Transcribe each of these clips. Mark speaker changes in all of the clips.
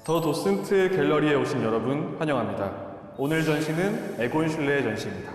Speaker 1: 더 도슨트 갤러리에 오신 여러분 환영합니다. 오늘 전시는 에곤 슐레의 전시입니다.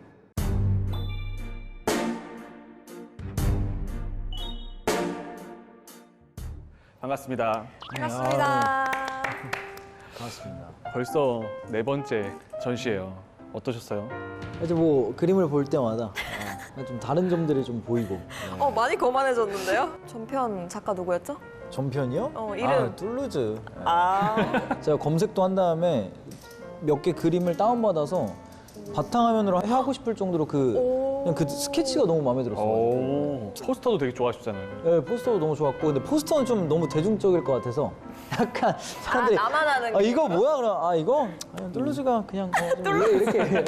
Speaker 1: 반갑습니다.
Speaker 2: 반갑습니다.
Speaker 3: 반갑습니다.
Speaker 1: 벌써 네 번째 전시예요. 어떠셨어요?
Speaker 3: 이제 뭐 그림을 볼 때마다 좀 다른 점들이 좀 보이고.
Speaker 2: 많이 거만해졌는데요? 전편 작가 누구였죠?
Speaker 3: 전편이요?
Speaker 2: 이름.
Speaker 3: 툴루즈.
Speaker 2: 아,
Speaker 3: 제가 검색도 한 다음에 몇 개 그림을 다운받아서 바탕화면으로 하고 싶을 정도로 그냥 그 스케치가 너무 마음에 들었어요.
Speaker 1: 오, 포스터도 되게 좋아하셨잖아요.
Speaker 3: 네, 포스터도 너무 좋았고 근데 포스터는 좀 너무 대중적일 것 같아서 약간 사람들이
Speaker 2: 나만 아는
Speaker 3: 이거 뭐야 그럼 이거 툴루즈가 그냥 좀 이렇게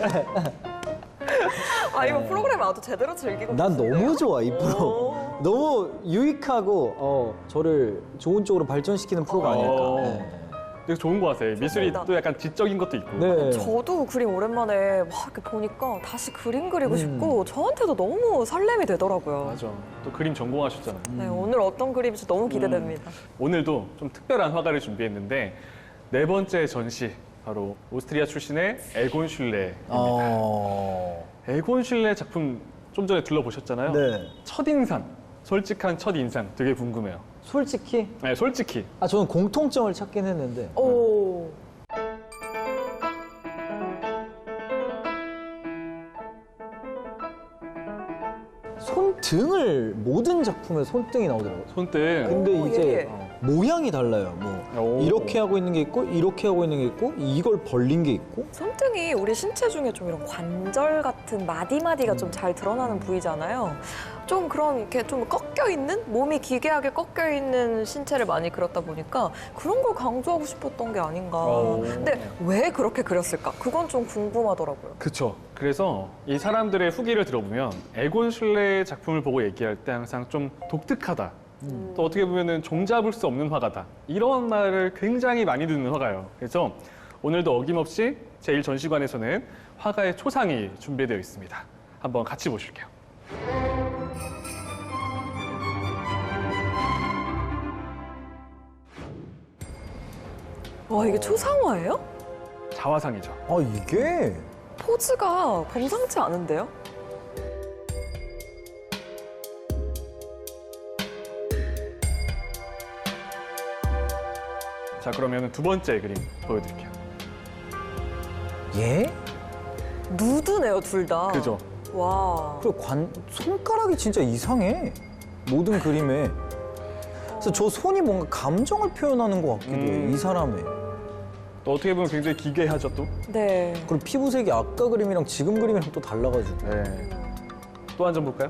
Speaker 2: 이거 프로그램 아주 제대로 즐기고
Speaker 3: 난
Speaker 2: 계신데요?
Speaker 3: 너무 좋아 이 프로. 너무 유익하고 저를 좋은 쪽으로 발전시키는 프로가 아닐까. 네.
Speaker 1: 되게 좋은 거 같아요. 미술이
Speaker 2: 좋습니다.
Speaker 1: 또 약간 지적인 것도 있고.
Speaker 3: 네.
Speaker 2: 저도 그림 오랜만에 막 이렇게 보니까 다시 그림 그리고 싶고 저한테도 너무 설렘이 되더라고요.
Speaker 1: 맞아. 또 그림 전공하셨잖아요.
Speaker 2: 네, 오늘 어떤 그림일지 너무 기대됩니다.
Speaker 1: 오늘도 좀 특별한 화가를 준비했는데 네 번째 전시 바로 오스트리아 출신의 에곤 슐레입니다. 에곤 슐레 작품 좀 전에 둘러보셨잖아요.
Speaker 3: 네.
Speaker 1: 첫인상, 솔직한 첫인상 되게 궁금해요.
Speaker 3: 솔직히
Speaker 1: 네, 솔직히.
Speaker 3: 저는 공통점을 찾긴 했는데
Speaker 2: 오,
Speaker 3: 손등을 모든 작품에 손등이 나오더라고요.
Speaker 1: 손등.
Speaker 3: 근데
Speaker 2: 오,
Speaker 3: 이제
Speaker 2: 예리해.
Speaker 3: 모양이 달라요. 뭐
Speaker 1: 오.
Speaker 3: 이렇게 하고 있는 게 있고 이렇게 하고 있는 게 있고 이걸 벌린 게 있고.
Speaker 2: 손등이 우리 신체 중에 좀 이런 관절 같은 마디마디가 좀 잘 드러나는 부위잖아요. 좀 그런 이렇게 좀 꺾여 있는 몸이 기괴하게 꺾여 있는 신체를 많이 그렸다 보니까 그런 걸 강조하고 싶었던 게 아닌가.
Speaker 1: 오.
Speaker 2: 근데 왜 그렇게 그렸을까? 그건 좀 궁금하더라고요.
Speaker 1: 그쵸. 그래서 이 사람들의 후기를 들어보면 에곤 슐레의 작품을 보고 얘기할 때 항상 좀 독특하다. 또 어떻게 보면은 종잡을 수 없는 화가다. 이런 말을 굉장히 많이 듣는 화가예요. 그래서 오늘도 어김없이 제1전시관에서는 화가의 초상이 준비되어 있습니다. 한번 같이 보실게요.
Speaker 2: 와, 이게 초상화예요?
Speaker 1: 자화상이죠.
Speaker 3: 이게
Speaker 2: 포즈가 범상치 않은데요?
Speaker 1: 자, 그러면 두 번째 그림 보여드릴게요.
Speaker 3: 예?
Speaker 2: 누드네요, 둘 다.
Speaker 1: 그죠?
Speaker 2: 와.
Speaker 3: 그리고 손가락이 진짜 이상해. 모든 그림에. 그래서 저 손이 뭔가 감정을 표현하는 것 같기도 해. 이 사람의.
Speaker 1: 또 어떻게 보면 굉장히 기괴하죠, 또?
Speaker 2: 네.
Speaker 3: 그리고 피부색이 아까 그림이랑 지금 그림이랑 또 달라가지고.
Speaker 1: 네. 또 한 점 볼까요?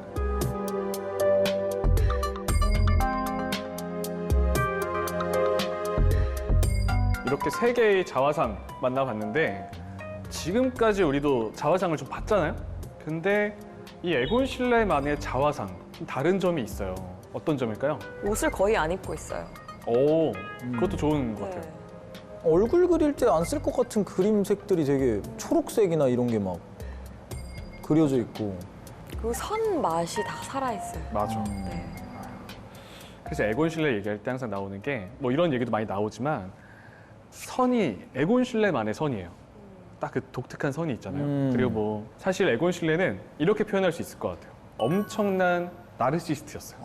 Speaker 1: 이렇게 세 개의 자화상 만나봤는데 지금까지 우리도 자화상을 좀 봤잖아요? 근데 이 에곤 슐레만의 자화상 좀 다른 점이 있어요. 어떤 점일까요?
Speaker 2: 옷을 거의 안 입고 있어요.
Speaker 1: 오, 그것도 좋은 것 같아요.
Speaker 2: 네.
Speaker 3: 얼굴 그릴 때 안 쓸 것 같은 그림색들이 되게 초록색이나 이런 게 막 그려져 있고.
Speaker 2: 그 선 맛이 다 살아있어요.
Speaker 1: 맞아.
Speaker 2: 네.
Speaker 1: 그래서 에곤 슐레 얘기할 때 항상 나오는 게 뭐 이런 얘기도 많이 나오지만 선이 에곤 슐레만의 선이에요. 딱 그 독특한 선이 있잖아요. 그리고 뭐 사실 에곤 슐레는 이렇게 표현할 수 있을 것 같아요. 엄청난 나르시스트였어요.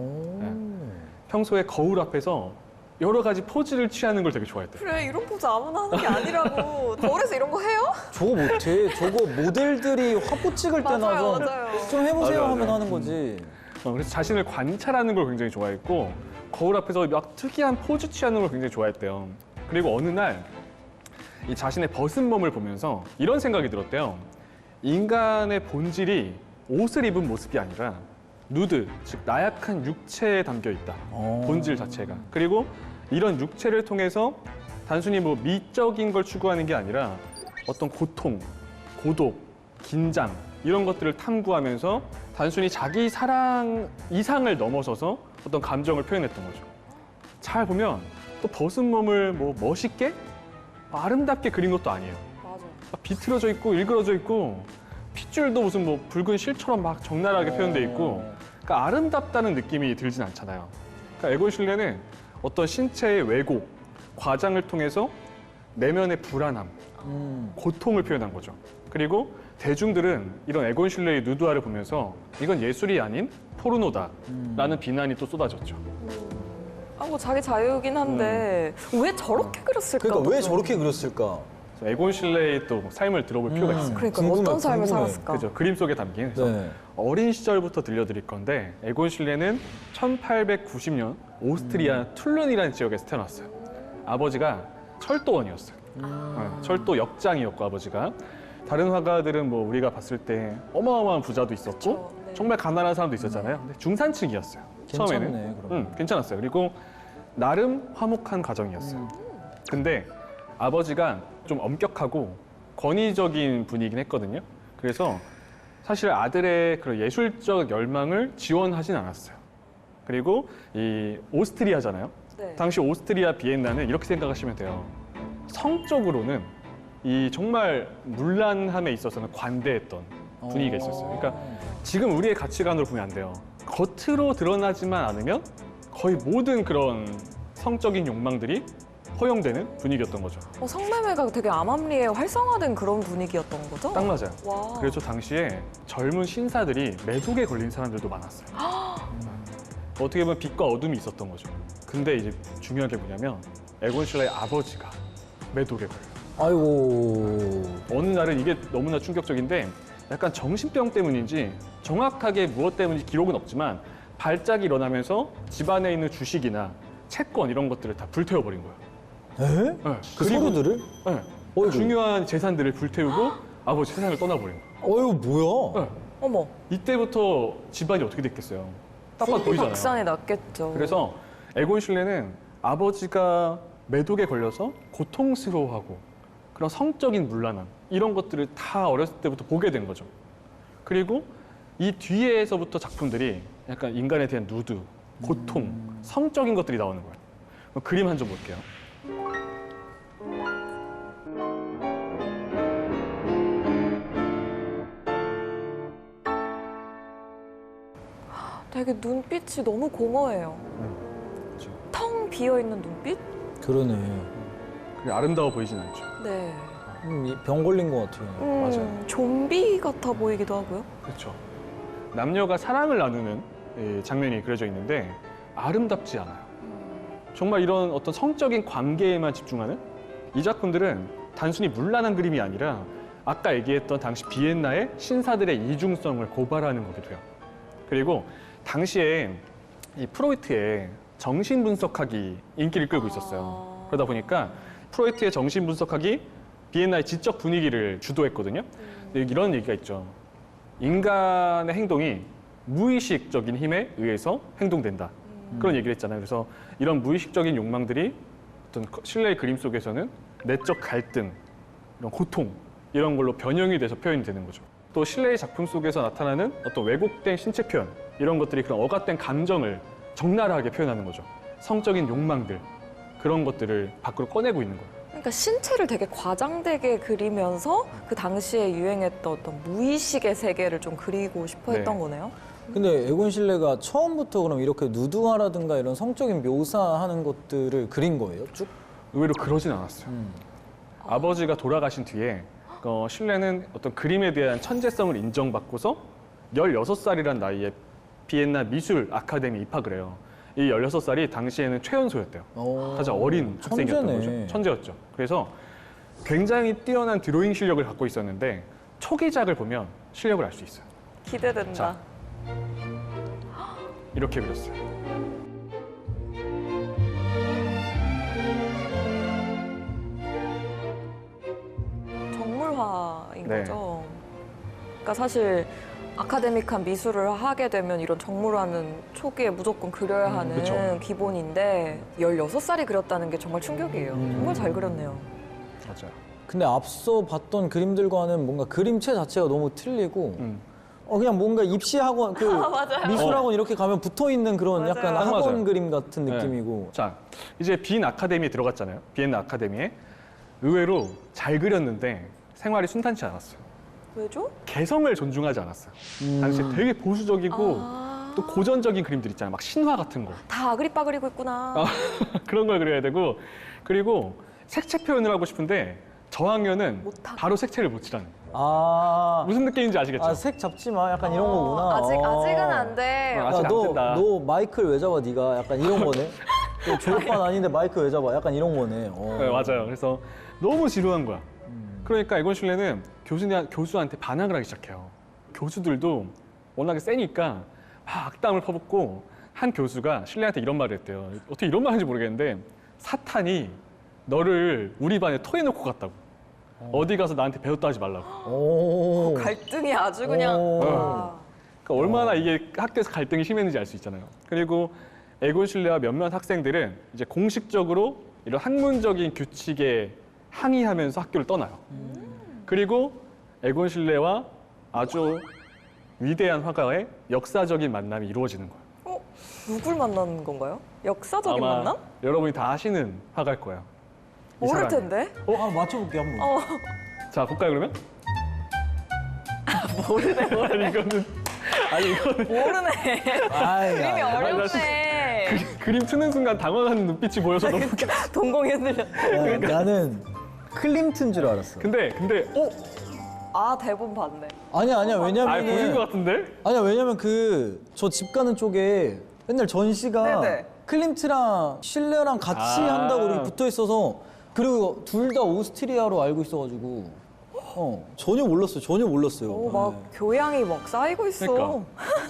Speaker 1: 평소에 거울 앞에서 여러 가지 포즈를 취하는 걸 되게 좋아했대요.
Speaker 2: 그래, 이런 포즈 아무나 하는 게 아니라고. 거울에서 이런 거 해요?
Speaker 3: 저거 못해. 저거 모델들이 화보 찍을 때나
Speaker 2: 맞아요,
Speaker 3: 좀,
Speaker 2: 맞아요.
Speaker 3: 좀 해보세요
Speaker 1: 맞아요,
Speaker 3: 하면
Speaker 1: 맞아요.
Speaker 3: 하는 거지.
Speaker 1: 그래서 자신을 관찰하는 걸 굉장히 좋아했고 거울 앞에서 막 특이한 포즈 취하는 걸 굉장히 좋아했대요. 그리고 어느 날 이 자신의 벗은 몸을 보면서 이런 생각이 들었대요. 인간의 본질이 옷을 입은 모습이 아니라 누드, 즉 나약한 육체에 담겨 있다. 본질 자체가. 그리고 이런 육체를 통해서 단순히 뭐 미적인 걸 추구하는 게 아니라 어떤 고통, 고독, 긴장 이런 것들을 탐구하면서 단순히 자기 사랑 이상을 넘어서서 어떤 감정을 표현했던 거죠. 잘 보면 또 벗은 몸을 뭐 멋있게 아름답게 그린 것도 아니에요.
Speaker 2: 맞아.
Speaker 1: 비틀어져 있고 일그러져 있고 핏줄도 무슨 뭐 붉은 실처럼 막 적나라하게 표현돼 있고 그러니까 아름답다는 느낌이 들진 않잖아요. 그러니까 에곤 슐레는 어떤 신체의 왜곡 과장을 통해서 내면의 불안함, 고통을 표현한 거죠. 그리고 대중들은 이런 에곤 실레의 누드화를 보면서 이건 예술이 아닌 포르노다라는 비난이 또 쏟아졌죠.
Speaker 2: 아, 뭐 자기 자유이긴 한데 왜 저렇게 그렸을까?
Speaker 3: 그러니까 왜
Speaker 2: 또.
Speaker 3: 저렇게 그렸을까?
Speaker 1: 에곤 실레의 또 삶을 들어볼 필요가 있어요.
Speaker 2: 그러니까
Speaker 3: 궁금해,
Speaker 2: 어떤 삶을
Speaker 3: 궁금해.
Speaker 2: 살았을까?
Speaker 1: 그죠. 그림 속에 담긴. 그래서
Speaker 3: 네.
Speaker 1: 어린 시절부터 들려드릴 건데 에곤 실레는 1890년 오스트리아 툴른이라는 지역에서 태어났어요. 아버지가 철도원이었어요. 철도 역장이었고 아버지가. 다른 화가들은 뭐 우리가 봤을 때 어마어마한 부자도 있었고
Speaker 2: 그쵸, 네.
Speaker 1: 정말 가난한 사람도 있었잖아요. 근데 중산층이었어요.
Speaker 3: 괜찮네,
Speaker 1: 처음에는.
Speaker 3: 그럼.
Speaker 1: 괜찮았어요. 그리고 나름 화목한 가정이었어요. 근데 아버지가 좀 엄격하고 권위적인 분이긴 했거든요. 그래서 사실 아들의 그런 예술적 열망을 지원하진 않았어요. 그리고 이 오스트리아잖아요.
Speaker 2: 네.
Speaker 1: 당시 오스트리아 비엔나는 이렇게 생각하시면 돼요. 성적으로는 이 정말 문란함에 있어서는 관대했던 분위기가 있었어요. 그러니까 지금 우리의 가치관으로 보면 안 돼요. 겉으로 드러나지만 않으면 거의 모든 그런 성적인 욕망들이 허용되는 분위기였던 거죠.
Speaker 2: 성매매가 되게 암암리에 활성화된 그런 분위기였던 거죠?
Speaker 1: 딱 맞아요.
Speaker 2: 와.
Speaker 1: 그래서 당시에 젊은 신사들이 매독에 걸린 사람들도 많았어요. 어떻게 보면 빛과 어둠이 있었던 거죠. 근데 이제 중요한 게 뭐냐면 에곤 실레의 아버지가 매독에 걸려요.
Speaker 3: 아이고.
Speaker 1: 어느 날은 이게 너무나 충격적인데 약간 정신병 때문인지 정확하게 무엇 때문인지 기록은 없지만 발작이 일어나면서 집안에 있는 주식이나 채권 이런 것들을 다 불태워버린 거예요.
Speaker 3: 에?
Speaker 1: 네.
Speaker 3: 그
Speaker 1: 그리고-
Speaker 3: 서류들을?
Speaker 1: 네.
Speaker 3: 어이구.
Speaker 1: 중요한 재산들을 불태우고 아버지 세상을 떠나버린 거예요.
Speaker 3: 어이구, 뭐야?
Speaker 1: 네.
Speaker 2: 어머,
Speaker 1: 이때부터 집안이 어떻게 됐겠어요? 딱 봐도 보이잖아요.
Speaker 2: 박산이 났겠죠.
Speaker 1: 그래서 에곤 실레는 아버지가 매독에 걸려서 고통스러워하고 그런 성적인 문란함 이런 것들을 다 어렸을 때부터 보게 된 거죠. 그리고 이 뒤에서부터 작품들이 약간 인간에 대한 누드, 고통, 성적인 것들이 나오는 거예요. 그림 한 점 볼게요.
Speaker 2: 되게 눈빛이 너무 공허해요.
Speaker 1: 그렇죠.
Speaker 2: 텅 비어있는 눈빛?
Speaker 3: 그러네.
Speaker 1: 그게 아름다워 보이진 않죠.
Speaker 2: 네.
Speaker 3: 병 걸린 것 같아요.
Speaker 1: 맞아요.
Speaker 2: 좀비 같아 보이기도 하고요.
Speaker 1: 그렇죠. 남녀가 사랑을 나누는 이 장면이 그려져 있는데 아름답지 않아요. 정말 이런 어떤 성적인 관계에만 집중하는 이 작품들은 단순히 문란한 그림이 아니라 아까 얘기했던 당시 비엔나의 신사들의 이중성을 고발하는 거기도 해요. 그리고 당시에 이 프로이트의 정신분석학이 인기를 끌고 있었어요. 그러다 보니까 프로이트의 정신분석학이 비엔나의 지적 분위기를 주도했거든요. 근데 이런 얘기가 있죠. 인간의 행동이 무의식적인 힘에 의해서 행동된다. 그런 얘기를 했잖아요. 그래서 이런 무의식적인 욕망들이 어떤 실내의 그림 속에서는 내적 갈등, 이런 고통 이런 걸로 변형이 돼서 표현이 되는 거죠. 또 실내의 작품 속에서 나타나는 어떤 왜곡된 신체 표현 이런 것들이 그런 억압된 감정을 적나라하게 표현하는 거죠. 성적인 욕망들 그런 것들을 밖으로 꺼내고 있는 거예요.
Speaker 2: 그러니까 신체를 되게 과장되게 그리면서 그 당시에 유행했던 어떤 무의식의 세계를 좀 그리고 싶어 했던
Speaker 1: 네.
Speaker 2: 거네요.
Speaker 3: 근데 에곤 실레가 처음부터 그럼 이렇게 누드화라든가 이런 성적인 묘사하는 것들을 그린 거예요? 쭉?
Speaker 1: 의외로 그러진 않았어요. 아버지가 돌아가신 뒤에 실레는 어떤 그림에 대한 천재성을 인정받고서 16살이란 나이에 비엔나 미술 아카데미 입학을 해요. 이 16살이 당시에는 최연소였대요. 가장 어린 학생이었던
Speaker 3: 천재네.
Speaker 1: 거죠. 천재였죠. 그래서 굉장히 뛰어난 드로잉 실력을 갖고 있었는데 초기작을 보면 실력을 알 수 있어요.
Speaker 2: 기대된다.
Speaker 1: 자. 이렇게 그렸어요.
Speaker 2: 정물화인
Speaker 1: 네.
Speaker 2: 거죠. 그러니까 사실 아카데믹한 미술을 하게 되면 이런 정물화는 초기에 무조건 그려야 하는
Speaker 1: 그쵸.
Speaker 2: 기본인데 16살이 그렸다는 게 정말 충격이에요. 정말 잘 그렸네요.
Speaker 1: 맞아요.
Speaker 3: 근데 앞서 봤던 그림들과는 뭔가 그림체 자체가 너무 틀리고 그냥 뭔가 입시학원, 그 미술학원 이렇게 가면 붙어있는 그런
Speaker 2: 맞아요.
Speaker 3: 약간
Speaker 1: 딱
Speaker 3: 학원
Speaker 1: 맞아요.
Speaker 3: 그림 같은
Speaker 1: 네.
Speaker 3: 느낌이고
Speaker 1: 자, 이제 빈 아카데미에 들어갔잖아요. 비엔나 아카데미에. 의외로 잘 그렸는데 생활이 순탄치 않았어요.
Speaker 2: 왜죠?
Speaker 1: 개성을 존중하지 않았어요. 당시 되게 보수적이고 또 고전적인 그림들 있잖아요. 막 신화 같은 거.
Speaker 2: 다 아그리빠 그리고 있구나.
Speaker 1: 그런 걸 그려야 되고 그리고 색채 표현을 하고 싶은데 저학년은
Speaker 2: 못하고.
Speaker 1: 바로 색채를 못 칠하는.
Speaker 3: 아,
Speaker 1: 무슨 느낌인지 아시겠죠?
Speaker 3: 아, 색 잡지 마. 약간 이런 거구나.
Speaker 2: 아직은 안 돼.
Speaker 1: 아, 아직 안 된다.
Speaker 3: 너 마이크를 왜 잡아, 네가? 약간 이런 거네. 너 졸업반 아닌데 마이크 왜 잡아? 약간 이런 거네.
Speaker 1: 네, 맞아요. 그래서 너무 지루한 거야. 그러니까 에곤 실레는 교수한테 반항을 하기 시작해요. 교수들도 워낙에 세니까 막 악담을 퍼붓고 한 교수가 실레한테 이런 말을 했대요. 어떻게 이런 말 하는지 모르겠는데 사탄이 너를 우리 반에 토해놓고 갔다고. 어디 가서 나한테 배웠다 하지 말라고.
Speaker 3: 오.
Speaker 2: 갈등이 아주 그냥.
Speaker 3: 오.
Speaker 2: 와.
Speaker 1: 그러니까 얼마나 이게 학교에서 갈등이 심했는지 알 수 있잖아요. 그리고 에곤 실레와 몇몇 학생들은 이제 공식적으로 이런 학문적인 규칙에 항의하면서 학교를 떠나요. 그리고 에곤 실레와 아주 위대한 화가의 역사적인 만남이 이루어지는 거예요.
Speaker 2: 누굴 만나는 건가요? 역사적인
Speaker 1: 아마
Speaker 2: 만남?
Speaker 1: 여러분이 다 아시는 화가일 거예요. 이
Speaker 2: 모를
Speaker 1: 사람이.
Speaker 2: 텐데.
Speaker 3: 아, 맞춰볼게, 한번.
Speaker 1: 자, 볼까요 그러면?
Speaker 2: 모르네.
Speaker 1: 이거는
Speaker 2: 모르네.
Speaker 3: 아이,
Speaker 2: 그림이
Speaker 3: 야,
Speaker 2: 어렵네.
Speaker 1: 그림 트는 순간 당황하는 눈빛이 보여서 너무 웃겨.
Speaker 2: 동공이 흔들려.
Speaker 3: 야, 나는 클림트인 줄 알았어.
Speaker 1: 근데
Speaker 2: 아, 대본 봤네.
Speaker 3: 아니야,
Speaker 1: 보신 것
Speaker 3: 왜냐면은.
Speaker 1: 같은데?
Speaker 3: 아니야, 왜냐면 저 집 가는 쪽에 맨날 전시가
Speaker 2: 네네.
Speaker 3: 클림트랑 실레랑 같이
Speaker 1: 아.
Speaker 3: 한다고 이렇게 붙어 있어서 그리고 둘 다 오스트리아로 알고 있어가지고 전혀 몰랐어요.
Speaker 2: 오, 막 교양이 막 쌓이고 있어.
Speaker 1: 그러니까.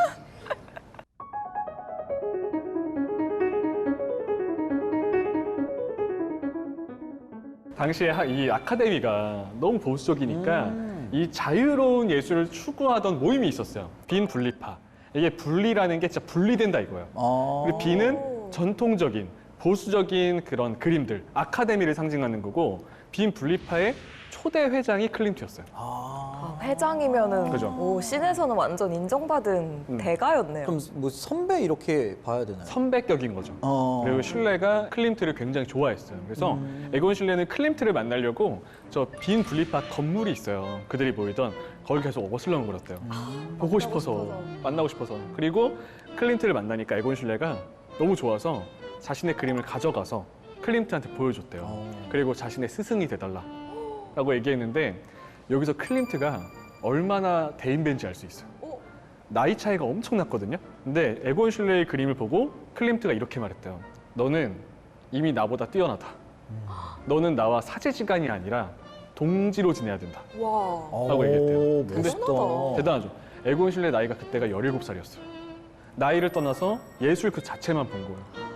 Speaker 1: 당시에 이 아카데미가 너무 보수적이니까 이 자유로운 예술을 추구하던 모임이 있었어요. 빈 분리파. 이게 분리라는 게 진짜 분리된다 이거예요.
Speaker 3: 아.
Speaker 1: 그리고 B는 전통적인 보수적인 그런 그림들, 아카데미를 상징하는 거고 빈 분리파의 초대 회장이 클림트였어요.
Speaker 3: 아.
Speaker 2: 회장이면은
Speaker 1: 그죠.
Speaker 2: 오, 씬에서는 완전 인정받은 대가였네요.
Speaker 3: 그럼 뭐 선배 이렇게 봐야 되나요?
Speaker 1: 선배격인 거죠. 그리고 실레가 클림트를 굉장히 좋아했어요. 그래서 에곤 실레는 클림트를 만나려고 저 빈 분리파 건물이 있어요. 그들이 모이던 거기 계속 어슬렁거렸대요. 보고 싶어서 만나고 싶어서. 그리고 클림트를 만나니까 에곤 실레가 너무 좋아서 자신의 그림을 가져가서 클림트한테 보여줬대요. 그리고 자신의 스승이 돼달라라고 얘기했는데 여기서 클림트가 얼마나 대인배인지 알 수 있어요. 나이 차이가 엄청났거든요. 근데 에곤 실레의 그림을 보고 클림트가 이렇게 말했대요. 너는 이미 나보다 뛰어나다. 너는 나와 사제지간이 아니라 동지로 지내야 된다.
Speaker 2: 와.
Speaker 1: 라고 얘기했대요.
Speaker 3: 근데
Speaker 2: 대단하다.
Speaker 1: 대단하죠. 에곤 실레 나이가 그때가 17살이었어요. 나이를 떠나서 예술 그 자체만 본 거예요.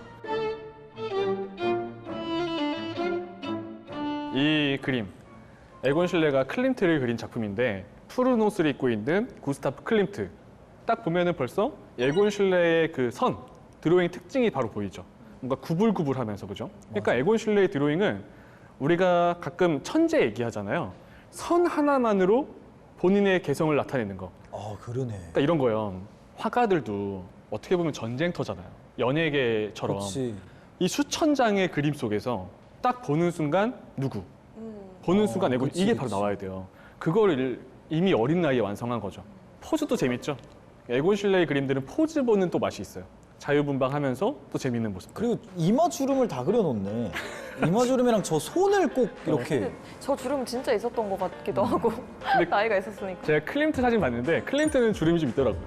Speaker 1: 이 그림, 에곤 실레가 클림트를 그린 작품인데 푸른 옷을 입고 있는 구스타프 클림트. 딱 보면은 벌써 에곤 실레의 그 선, 드로잉 특징이 바로 보이죠. 뭔가 구불구불하면서 그죠? 그러니까 에곤 실레의 드로잉은 우리가 가끔 천재 얘기하잖아요. 선 하나만으로 본인의 개성을 나타내는 거.
Speaker 3: 아, 그러네.
Speaker 1: 그러니까 이런 거예요. 화가들도 어떻게 보면 전쟁터잖아요. 연예계처럼
Speaker 3: 그렇지.
Speaker 1: 이 수천 장의 그림 속에서 딱 보는 순간 누구? 보는 순간 에곤
Speaker 3: 그치,
Speaker 1: 이게
Speaker 3: 그치.
Speaker 1: 바로 나와야 돼요. 그거를 이미 어린 나이에 완성한 거죠. 포즈도 재밌죠. 에곤 실레의 그림들은 포즈 보는 또 맛이 있어요. 자유분방하면서 또 재밌는 모습.
Speaker 3: 그리고 이마 주름을 다 그려놓네. 이마 주름이랑 저 손을 꼭 이렇게.
Speaker 2: 저 주름 진짜 있었던 것 같기도 하고
Speaker 1: 근데
Speaker 2: 나이가 있었으니까.
Speaker 1: 제가 클림트 사진 봤는데 클림트는 주름이 좀 있더라고요.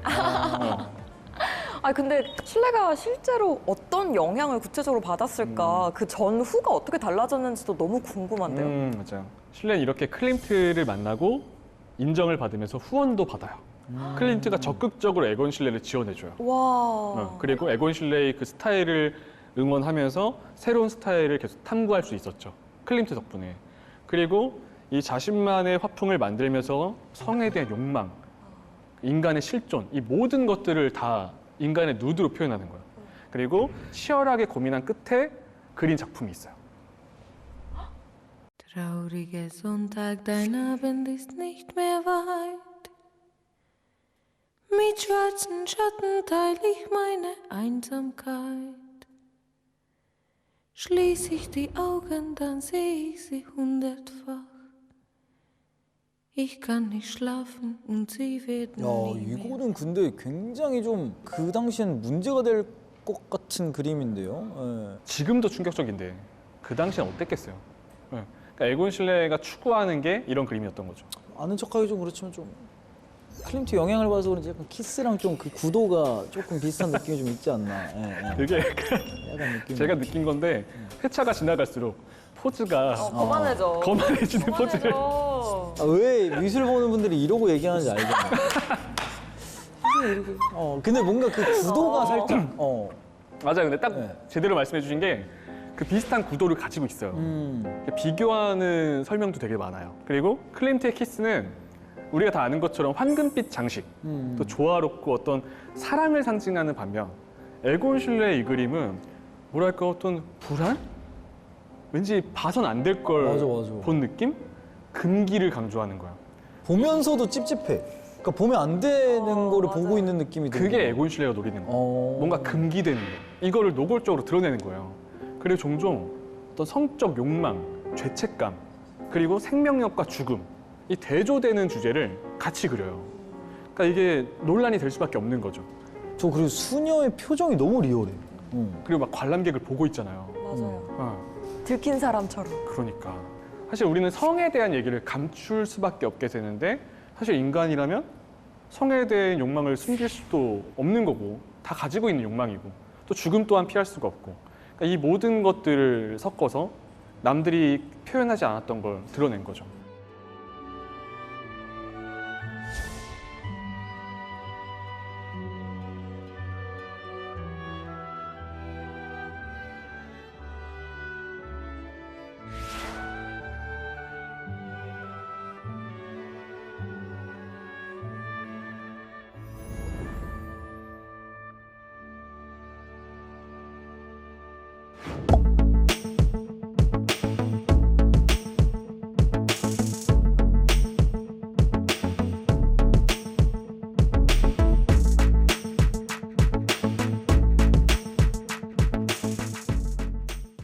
Speaker 2: 아 근데 실레가 실제로 어떤 영향을 구체적으로 받았을까? 그 전후가 어떻게 달라졌는지도 너무 궁금한데요.
Speaker 1: 맞아요. 실레는 이렇게 클림트를 만나고 인정을 받으면서 후원도 받아요. 클림트가 적극적으로 에곤 실레를 지원해줘요.
Speaker 2: 와.
Speaker 1: 그리고 에곤 실레의 그 스타일을 응원하면서 새로운 스타일을 계속 탐구할 수 있었죠. 클림트 덕분에. 그리고 이 자신만의 화풍을 만들면서 성에 대한 욕망, 인간의 실존, 이 모든 것들을 다 인간의 누드로 표현하는 거예요. 그리고 치열하게 고민한 끝에 그린 작품이 있어요.
Speaker 4: Trauriger Sonntag, dein Abend ist nicht mehr weit. Mit schwarzen Schatten teile ich meine Einsamkeit. Schließ ich die Augen, dann sehe ich sie 100-fach. Ich kann nicht schlafen und sie werden
Speaker 3: 야,
Speaker 4: nie mehr.
Speaker 3: 이거는 근데 굉장히 좀 그 당시엔 문제가 될 것 같은 그림인데요. 예.
Speaker 1: 지금도 충격적인데 그 당시엔 어땠겠어요. 네. 그러니까 에곤 실레가 추구하는 게 이런 그림이었던 거죠.
Speaker 3: 아는 척하기 좀 그렇지만 좀 클림트 영향을 받아서 그런지 약간 키스랑 좀 그 구도가 조금 비슷한 느낌이 좀 있지 않나. 예, 예.
Speaker 1: 그게 약간
Speaker 3: 약간 느낌.
Speaker 1: 제가 느낀 건데 회차가 지나갈수록 포즈가
Speaker 2: 거만해져.
Speaker 1: 거만해지는 포즈를
Speaker 2: 거만해져.
Speaker 3: 왜 미술 보는 분들이 이러고 얘기하는지 알겠네. 이렇게. 근데 뭔가 그 구도가 살짝.
Speaker 1: 맞아요. 근데 딱
Speaker 3: 네.
Speaker 1: 제대로 말씀해 주신 게 그 비슷한 구도를 가지고 있어요. 비교하는 설명도 되게 많아요. 그리고 클림트의 키스는 우리가 다 아는 것처럼 황금빛 장식, 또 조화롭고 어떤 사랑을 상징하는 반면 에곤 실레의 이 그림은 뭐랄까 어떤 불안? 왠지 봐선 안 될 걸
Speaker 3: 맞아, 맞아.
Speaker 1: 본 느낌? 금기를 강조하는 거야.
Speaker 3: 보면서도 찝찝해. 그러니까 보면 안 되는 거를
Speaker 2: 맞아요.
Speaker 3: 보고 있는 느낌이 드는
Speaker 1: 그게
Speaker 3: 거야.
Speaker 1: 에곤 실레가 노리는 거야.
Speaker 3: 어.
Speaker 1: 뭔가 금기되는 거. 이거를 노골적으로 드러내는 거예요. 그리고 종종 어떤 성적 욕망, 죄책감, 그리고 생명력과 죽음, 이 대조되는 주제를 같이 그려요. 그러니까 이게 논란이 될 수밖에 없는 거죠.
Speaker 3: 저 그리고 수녀의 표정이 너무 리얼해.
Speaker 1: 그리고 막 관람객을 보고 있잖아요.
Speaker 2: 맞아요. 들킨 사람처럼.
Speaker 1: 그러니까 사실 우리는 성에 대한 얘기를 감출 수밖에 없게 되는데 사실 인간이라면 성에 대한 욕망을 숨길 수도 없는 거고 다 가지고 있는 욕망이고 또 죽음 또한 피할 수가 없고 그러니까 이 모든 것들을 섞어서 남들이 표현하지 않았던 걸 드러낸 거죠.